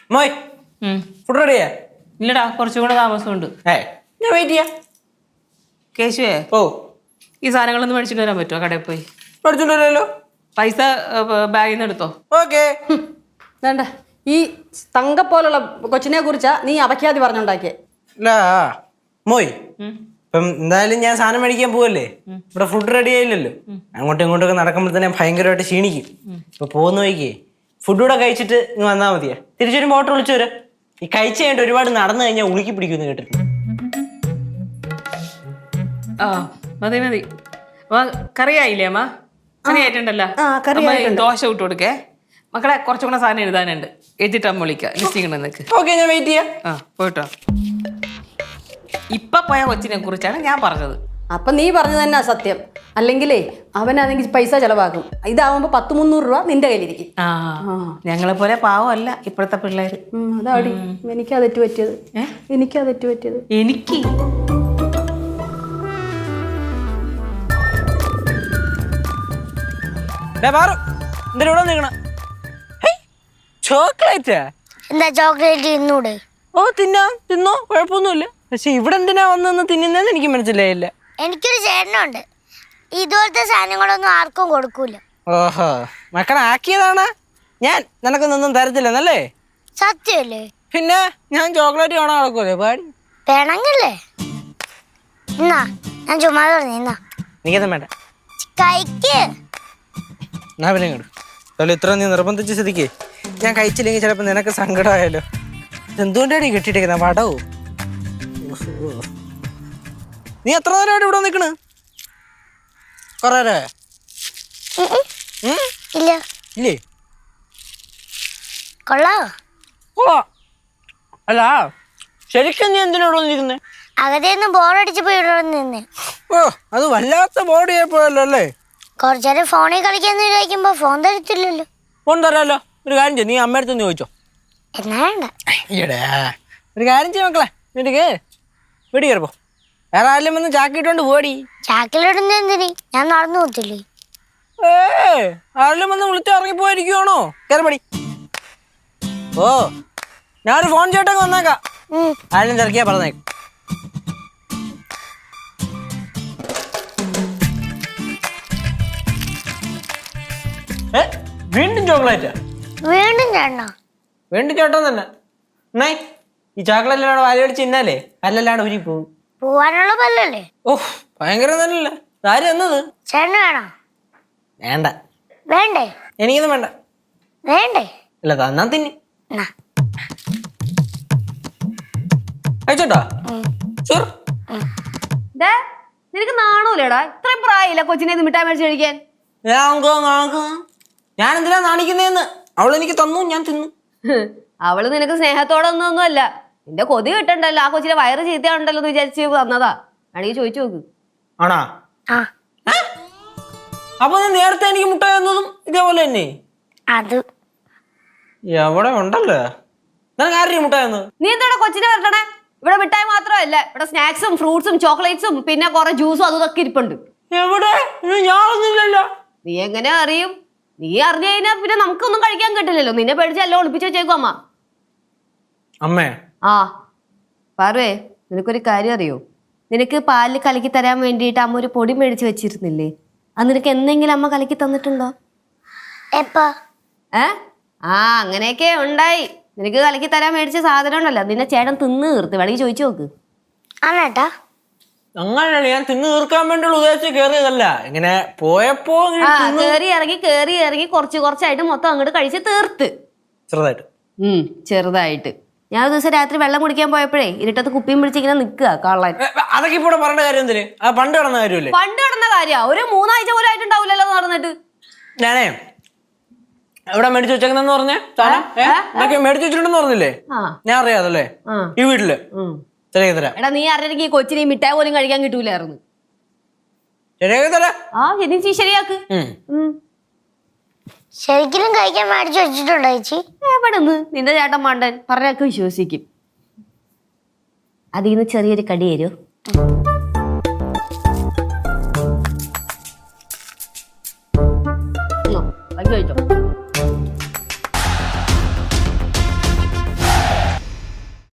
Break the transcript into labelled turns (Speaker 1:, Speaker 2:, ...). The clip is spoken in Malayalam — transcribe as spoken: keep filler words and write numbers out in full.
Speaker 1: മോയ് ഫുഡ് റെഡിയാ?
Speaker 2: ഇല്ലടാ, കുറച്ചും കൂടെ താമസമുണ്ട്.
Speaker 1: ഏ ഞാൻ വെയിറ്റ് ചെയ്യാം.
Speaker 2: കേശുവേ,
Speaker 1: ഓ
Speaker 2: ഈ സാധനങ്ങളൊന്നും മേടിച്ചിട്ട് വരാൻ പറ്റുമോ? കടയിൽ പോയി
Speaker 1: പഠിച്ചോണ്ടല്ലോ.
Speaker 2: പൈസ ബാഗിൽ നിന്ന് എടുത്തോ.
Speaker 1: ഓക്കെ.
Speaker 3: വേണ്ട, ഈ തങ്ക പോലുള്ള കൊച്ചിനെ കുറിച്ചാ നീ അപഖ്യാതി പറഞ്ഞുണ്ടാക്കിയേ.
Speaker 1: ഇല്ല മോയ്, ഇപ്പം എന്തായാലും ഞാൻ സാധനം മേടിക്കാൻ പോവല്ലേ. ഇവിടെ ഫുഡ് റെഡി ആയില്ലല്ലോ. അങ്ങോട്ടും ഇങ്ങോട്ടൊക്കെ നടക്കുമ്പോൾ തന്നെ ഭയങ്കരമായിട്ട് ക്ഷീണിക്കും. ഇപ്പൊ പോകുന്ന വഴിക്കേ ഫുഡ് കൂടെ കഴിച്ചിട്ട് ഇങ്ങ് വന്നാൽ മതിയാ. തിരിച്ചൊരു മോട്ടർ വിളിച്ചു വരാം. ഈ കഴിച്ചു കഴിഞ്ഞിട്ട് ഒരുപാട് നടന്നു കഴിഞ്ഞാൽ ഉളുക്കി പിടിക്കുമെന്ന് കേട്ടിട്ടുണ്ട്.
Speaker 2: ആ മതി മതി. കറിയായില്ലേ അമ്മ? കറിയായിട്ടുണ്ടല്ലോ. ദോശ വിട്ട് കൊടുക്കേ. മക്കളെ കുറച്ചും കൂടെ സാധനം എഴുതാനുണ്ട്. എഴുതിട്ട് അമ്മ വിളിക്കാം. ലിസ്റ്റിംഗ് നിനക്ക്.
Speaker 1: ഓക്കെ, ഞാൻ വെയിറ്റ് ചെയ്യാം.
Speaker 2: ആ പോയിട്ടോ. ഇപ്പൊ പോയ കൊച്ചിനെ കുറിച്ചാണ് ഞാൻ പറഞ്ഞത്.
Speaker 3: അപ്പൊ നീ പറഞ്ഞു തന്നെ സത്യം. അല്ലെങ്കിലേ അവനാണെങ്കിൽ പൈസ ചെലവാക്കും. ഇതാവുമ്പോ പത്ത് മുന്നൂറ് രൂപ നിന്റെ കയ്യിലിരിക്കും.
Speaker 2: ആ ഞങ്ങളെ പോലെ പാവമല്ല ഇപ്പോഴത്തെ പിള്ളേര്.
Speaker 3: അതാടി എനിക്കാ തെറ്റ് പറ്റിയത്. എനിക്കാ തെറ്റ് പറ്റിയത്.
Speaker 2: എനിക്ക്
Speaker 1: ചോക്ലേറ്റ്
Speaker 4: എന്താ ചോക്ലേറ്റ് തിന്നൂടെ?
Speaker 1: ഓ തിന്നാം, തിന്നോ, കുഴപ്പമൊന്നുമില്ല. പക്ഷെ ഇവിടെ എന്തിനാ വന്നെന്ന് തിന്നുന്നതെന്ന് എനിക്ക് മനസ്സിലായില്ല.
Speaker 4: എനിക്കൊരു ചേട്ടനുണ്ട്, ഇതുപോലത്തെ സാധനങ്ങളൊന്നും ആർക്കും കൊടുക്കൂല.
Speaker 1: ഓഹോ, മക്കളെ ആക്കിയതാണ്. ഞാൻ നിനക്കൊന്നും തരത്തില്ലെന്നല്ലേ?
Speaker 4: സത്യമല്ലേ?
Speaker 1: പിന്നെ ഞാൻ ചോക്ലേറ്റ് കാണാൻ നടക്കൂലേ പാടി.
Speaker 4: വേണമെങ്കിലേ എന്നാ ഞാൻ ചുമ്മാ പറഞ്ഞു. എന്നാ
Speaker 1: എനിക്കതും വേണ്ട.
Speaker 4: കഴിക്ക്.
Speaker 1: എന്നാ പിന്നെ ഇങ്ങോട്ട്. അതുപോലെ ഇത്ര നീ നിർബന്ധിച്ച സ്ഥിതിക്ക് ഞാൻ കഴിച്ചില്ലെങ്കിൽ ചിലപ്പോൾ നിനക്ക് സങ്കടമായാലോ. എന്തുകൊണ്ടാണ് ഈ കെട്ടിയിട്ടേക്കുന്ന വടവും? നീ എത്ര നേരമായിട്ട് ഇവിടെ നിൽക്കണ്? കൊറേ
Speaker 4: ഇല്ല
Speaker 1: ഇല്ലേ?
Speaker 4: കൊള്ളാവോ?
Speaker 1: ഓ അല്ല, ശരിക്കും നീ എന്തിനാ ഇവിടെ നിൽക്കുന്നേ?
Speaker 4: അകത്തേന്ന് ബോറടിച്ചപ്പോ ഇവിടെ നിന്നേ.
Speaker 1: ഓ അത് വല്ലാത്ത ബോർഡ് ചെയ്യപ്പോയല്ലോ അല്ലേ?
Speaker 4: കുറച്ചേരം ഫോണിൽ കളിക്കാന്ന് ചോദിക്കുമ്പോ ഫോൺ തരത്തില്ലല്ലോ.
Speaker 1: ഫോൺ തരാമല്ലോ. ഒരു കാര്യം ചെയ്യും, നീ അമ്മയടുത്ത് ചോദിച്ചോ.
Speaker 4: എന്നാ വേണ്ട.
Speaker 1: ഈടാ ഒരു കാര്യം ചെയ്യ മക്കളെ, വീട്ടിക്ക് വീട്ടിൽ കയറിപ്പോ. വേറെ ആരെങ്കിലും വന്ന് ചാക്കിട്ടോണ്ട് പോടി.
Speaker 4: ചാക്കിലിടുന്ന എന്തിന്? ഞാൻ നടന്നു പോത്തില്ലേ.
Speaker 1: ഏ ആരെങ്കിലും വന്ന് വിളിച്ച് ഇറങ്ങിപ്പോയിരിക്കുവാണോ? കയറിപ്പടി. ഓ ഞാനൊരു ഫോൺ ചേട്ടങ്ങ് വന്നേക്കാം. ആരെങ്കിലും തിരക്കിയാ പറഞ്ഞേക്കും. ഏ വീണ്ടും ചോക്ലേറ്റ്?
Speaker 4: വീണ്ടും ചേട്ടനോ?
Speaker 1: വീണ്ടും ചേട്ടൻ തന്നെ. എന്നേ ഈ ചോക്ലേറ്റിലാണ് വാലടിച്ച് തിന്നാലേ കല്ലല്ലാണ്ട് ഉരി പോകും.
Speaker 4: പോവാനുള്ള പല്ലല്ലേ?
Speaker 1: ഓഹ് ഭയങ്കര തന്നെയല്ലേ. ആര് എന്നത്?
Speaker 4: ചേട്ടന് വേണോ?
Speaker 1: വേണ്ട.
Speaker 4: വേണ്ടേ?
Speaker 1: എനിക്കൊന്നും വേണ്ട.
Speaker 4: വേണ്ടേ?
Speaker 1: അല്ല തന്നാ തിന്നി.
Speaker 4: എന്നാ
Speaker 1: കഴിച്ചോട്ടാ.
Speaker 3: നിനക്ക് നാണൂലേടാ? ഇത്രയും പ്രായമില്ല കൊച്ചിനെ മിഠായി മേടിച്ച് കഴിക്കാൻ.
Speaker 1: ഞാൻ എന്തിനാ നാണിക്കുന്നേന്ന്? അവൾ എനിക്ക് തന്നു, ഞാൻ തിന്നു.
Speaker 3: അവള് നിനക്ക് സ്നേഹത്തോടെ ഒന്നും അല്ല. നിന്റെ കൊതി കിട്ടണ്ടല്ലോ. ആ കൊച്ചിനെ വയറ് ചീത്തയുണ്ടല്ലോ എന്ന് വിചാരിച്ച് തന്നതാ. ആണെങ്കിൽ ചോദിച്ചു നോക്ക്.
Speaker 1: ആണാ? അപ്പൊ നീ നേരത്തെ എനിക്ക് മുട്ട തന്നതും ഇതേപോലെ തന്നെ?
Speaker 4: അത്
Speaker 1: എവിടെ ഉണ്ടല്ലോ. നിനക്ക് ആരുടെ മുട്ട തന്നത്?
Speaker 3: നീ എന്താ കൊച്ചിനെ വരട്ടണേ? ഇവിടെ മിഠായി മാത്രമല്ല, ഇവിടെ സ്നാക്സും ഫ്രൂട്ട്സും ചോക്ലേറ്റ്സും പിന്നെ കുറെ ജ്യൂസും അതൊക്കെ ഇരിപ്പുണ്ട്.
Speaker 1: എവിടെ? ഞാനൊന്നുമില്ലല്ലോ.
Speaker 3: നീ എങ്ങനെ അറിയും? നീ അറിഞ്ഞു കഴിഞ്ഞാ പിന്നെ നമുക്കൊന്നും കഴിക്കാൻ കിട്ടില്ലല്ലോ. നിന്നെ പേടിച്ചല്ലോ ഒളിപ്പിച്ചു വെച്ചേക്കും അമ്മ.
Speaker 1: അമ്മേ
Speaker 3: ആ പാർവേ, നിനക്കൊരു കാര്യം അറിയോ? നിനക്ക് പാലിൽ കലക്കി തരാൻ വേണ്ടിയിട്ട് അമ്മ ഒരു പൊടി മേടിച്ച് വെച്ചിരുന്നില്ലേ? അത് നിനക്ക് എന്തെങ്കിലും അമ്മ കലക്കി തന്നിട്ടുണ്ടോ?
Speaker 4: എപ്പോ?
Speaker 3: ഏ ആ അങ്ങനെയൊക്കെ ഉണ്ടായി. നിനക്ക് കലക്കി തരാൻ മേടിച്ച സാധനം ഉണ്ടല്ലോ, നിന്നെ ചേട്ടൻ തിന്ന് തീർത്ത്. വേണമെങ്കിൽ ചോദിച്ചു നോക്ക്.
Speaker 4: ആണേട്ടാ?
Speaker 1: അങ്ങനെയാണ്, ഞാൻ തിന്ന് തീർക്കാൻ വേണ്ടിയുള്ള ഉദ്ദേശിച്ച് കേറിയതല്ല. ഇങ്ങനെ പോയപ്പോ
Speaker 3: ആ കേറി ഇറങ്ങി കേറി ഇറങ്ങി കുറച്ച് കുറച്ചായിട്ട് മൊത്തം അങ്ങോട്ട് കഴിച്ച് തീർത്ത്.
Speaker 1: ചെറുതായിട്ട്.
Speaker 3: ഉം ചെറുതായിട്ട്. ഞാൻ ഒരു ദിവസം രാത്രി വെള്ളം കുടിക്കാൻ പോയപ്പോഴേ ഇരുട്ടത്ത് കുപ്പിയും പിടിച്ചിങ്ങനെ നിക്കുക കള്ളൻ.
Speaker 1: അതൊക്കെ ഇപ്പൊ പറയേണ്ട കാര്യം എന്തിന്? ആ പണ്ട് കിടന്ന കാര്യമല്ലേ?
Speaker 3: പണ്ട് കിടന്ന കാര്യ ഒരു മൂന്നാഴ്ച പോലും ആയിട്ടുണ്ടാവില്ലല്ലോ നടന്നിട്ട്.
Speaker 1: ഞാനേ എവിടെ മേടിച്ചു വെച്ചേക്കെന്ന് പറഞ്ഞേ? ഇതൊക്കെ മേടിച്ചു വെച്ചിട്ടുണ്ടെന്ന് പറഞ്ഞില്ലേ? ഞാൻ അറിയാതല്ലേ ഈ വീട്ടില്.
Speaker 3: എടാ നീ അറിഞ്ഞെങ്കിൽ ഈ കൊച്ചിനെ മിഠായി പോലും കഴിക്കാൻ കിട്ടൂലായിരുന്നു. ആ ശരി ശരിയാക്ക്.
Speaker 4: ശരിക്കും കഴിക്കാൻ മേടിച്ചു വെച്ചിട്ടുണ്ടോ ചേച്ചി?
Speaker 3: എവിടെന്ന്? നിന്റെ ചേട്ടൻ മണ്ടൻ പറഞ്ഞൊക്കെ വിശ്വസിക്കും. അതിന്ന് ചെറിയൊരു കടി തരൂ. കഴിച്ചോ.